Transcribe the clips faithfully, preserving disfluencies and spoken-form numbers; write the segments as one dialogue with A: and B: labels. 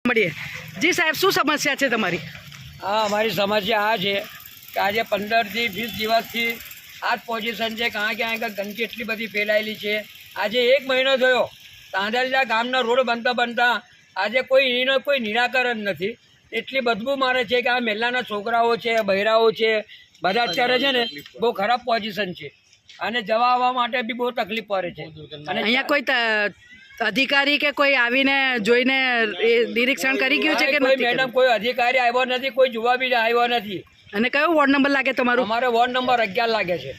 A: મળીએ જી સાહેબ, શું સમસ્યા છે તમારી?
B: હા, અમારી સમસ્યા આ છે કે આજે પંદરથી વીસ દિવસથી આ જ પોઝિશન છે. ક્યાં ક્યાં ગંદકી એટલી બધી ફેલાયેલી છે. આજે એક મહિનો થયો તાંદલજા ગામના રોડ બનતા બનતા આજે કોઈ એનો કોઈ નિરાકરણ નથી. એટલી બદબુ મારે છે કે આ મહેલાના છોકરાઓ છે, બહેરાઓ છે, બધા અત્યારે છે ને બહુ ખરાબ પોઝિશન છે અને જવા આવવા માટે બી બહુ તકલીફ પડે છે. અને
A: અહીંયા કોઈ અધિકારી કે કોઈ આવીને જોઈને નિરીક્ષણ કરી ગયું છે કે
B: કોઈ
A: નથી?
B: મેડમ કોઈ અધિકારી આવ્યો નથી, કોઈ જોવા બી આવ્યો નથી.
A: અને કયો વોર્ડ નંબર લાગે તમારું?
B: અમારે વોર્ડ નંબર અગિયાર લાગે છે.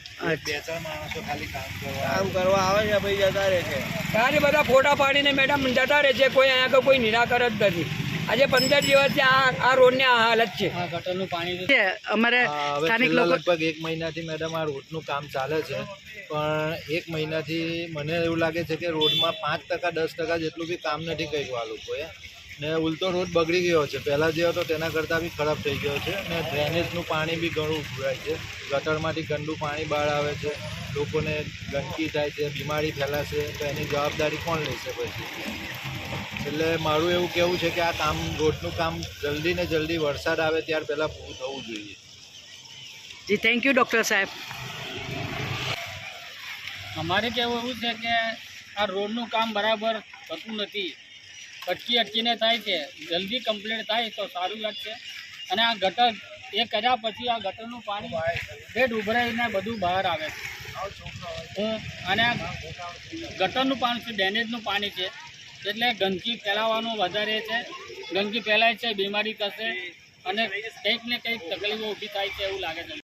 C: કામ કરવા આવે છે ભાઈ, જતા રહે છે.
B: ખાલી બધા ફોટા પાડીને મેડમ જતા રહે છે. કોઈ અહીંયા કોઈ નિરાકરણ જ નથી. આજે પંદર દિવસથી આ આ રોડની આ હાલત છે.
C: ગટરનું પાણી
A: છે અમારે સ્થાનિક લોકો
D: લગભગ એક મહિનાથી મેડમ આ રોડનું કામ ચાલે છે, પણ એક મહિનાથી મને એવું લાગે છે કે રોડમાં પાંચ ટકા દસ ટકા જેટલું બી કામ નથી કર્યું આ લોકોએ, ને ઉલટો રોડ બગડી ગયો છે. પહેલાં જે હતો તેના કરતાં બી ખરાબ થઈ ગયો છે ને ડ્રેનેજનું પાણી બી ઘણું ઉભરાય છે. ગટરમાંથી ગંદુ પાણી બહાર આવે છે, લોકોને ગંદકી થાય છે, બીમારી ફેલાશે, તો એની જવાબદારી કોણ લેશે પછી? એટલે મારું એવું કહેવું છે કે આ કામ રોડનું કામ જલ્દી ને જલ્દી વરસાદ આવે ત્યાર પહેલાં પૂરું થવું જોઈએ.
A: જી થેન્ક યુ ડૉક્ટર સાહેબ.
C: અમારે કહેવું એવું છે કે આ રોડનું કામ બરાબર થતું નથી, અટકી અટકીને થાય છે. જલ્દી કમ્પ્લીટ થાય તો સારું લાગશે. અને આ ગટર એ કર્યા પછી આ ગટરનું પાણી બેડ ઉભરાઈને બધું બહાર આવે છે. અને આ ગટરનું પાણી છે, ડ્રેનેજનું પાણી છે, એટલે ગંદકી ફેલાવાનું વધારે છે. ગંદકી ફેલાય છે, બીમારી થશે અને કંઈક ને કંઈક તકલીફો ઊભી થાય છે એવું લાગે છે.